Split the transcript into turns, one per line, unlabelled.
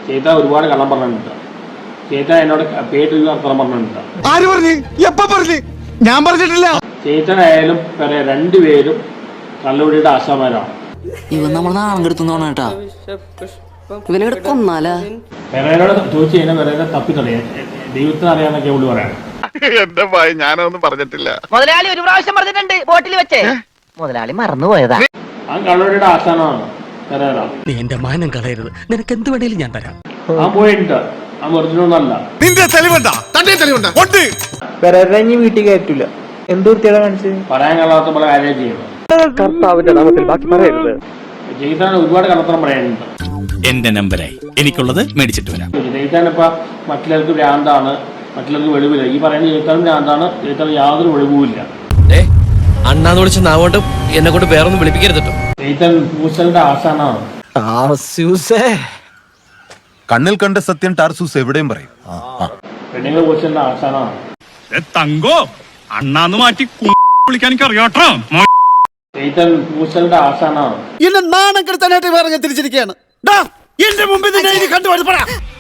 ചേത്ത ഒരുപാട് കള്ളം പറഞ്ഞിട്ടുണ്ട്. ചേത്ത എന്നോട് പേട്ട് വർത്തനം പറഞ്ഞിട്ടുണ്ട്.
ആര് പറഞ്ഞു? എപ്പ പറഞ്ഞു? ഞാൻ പറഞ്ഞിട്ടില്ല.
ചേത്തനായാലും പറയാ രണ്ടുപേരും കള്ളുപിടിയുടെ ആശാമാരാണ്.
ഇവൻ നമ്മളെ നാളം കെടുത്തുന്നോണ കേട്ടാ. ഇവനെ കൊന്നാലാ
പെരേനോട് ചോദിച്ചു കഴിഞ്ഞാൽ പെരേനെ തപ്പിത്തറിയാം. ദൈവത്തിന് അറിയാന്നൊക്കെ ഉള്ളു പറയാം.
എന്റെ ഭയ ഞാനൊന്നും പറഞ്ഞിട്ടില്ല.
മുതലാളി ഒരു പ്രാവശ്യം പറഞ്ഞിട്ടുണ്ട് ബോട്ടിൽ വെച്ചേ. മുതലാളി മറന്നുപോയതാ.
ആ കള്ളുപിടിയുടെ ആശാനാണ് പെരേര.
നീ എന്റെ മാനം കളയരുത്. നിനക്ക് എന്ത് വേണേലും ഞാൻ തരാം.
ആ പോയിട്ടുണ്ട്. ആ ഒറിജിനൊന്നല്ല.
നിന്റെ തെളിവുണ്ടാ? തന്റെ തെളിവുണ്ടാ? ഉണ്ട്.
പെരേര ഇനി വീട്ടിൽ കയറ്റൂല. എന്ത് വൃത്തിയാണ് കാണിച്ചത്?
പറയാൻ കള്ളാത്ത പോലെ കാര്യം ചെയ്യുന്നത്.
കർത്താവിന്റെ നാമത്തിൽ ബാക്കി പറയരുത്.
ജയിത്താൻ ഒരുപാട് കള്ളത്തരം പറയാനുണ്ട്.
എന്റെ നമ്പരായി എനിക്കുള്ളത് മേടിച്ചിട്ട് വരാം.
ജയിത്താൻ ഇപ്പൊ മറ്റുള്ളവർക്ക് ഭ്രാന്താണ്, മറ്റുള്ളവർക്ക് വെളിവില്ല. ഈ പറയുന്ന ജയിത്താനും ഭ്രാന്താണ്. ജയിത്താൻ യാതൊരു വെളിവുമില്ല.
അണ്ണാന്ന് വിളിച്ച നാവോട്ട് എന്നെ കൊണ്ട് വേറൊന്നും വിളിപ്പിക്കരുത് കേട്ടോ.
ജയിത്താൻ പൂശലിന്റെ ആശാനാണ്.
കണ്ണിൽ കണ്ട സത്യം ടാർസൂസ് എവിടെയും പറയും.
പെണ്ണുങ്ങൾ പൂശലിന്റെ ആശാനാണ്.
തങ്കോ അണ്ണാന്ന് മാറ്റി വിളിക്കാൻ എനിക്ക് അറിയാട്ടോ.
ജയിത്താൻ പൂശലിന്റെ ആശാനാണ്.
എന്നെ നാണം കെടുത്താനായിട്ട് വേറെ തിരിച്ചിരിക്കുകയാണ്. എന്റെ മുമ്പിൽ കണ്ടുപിടിപ്പടാ.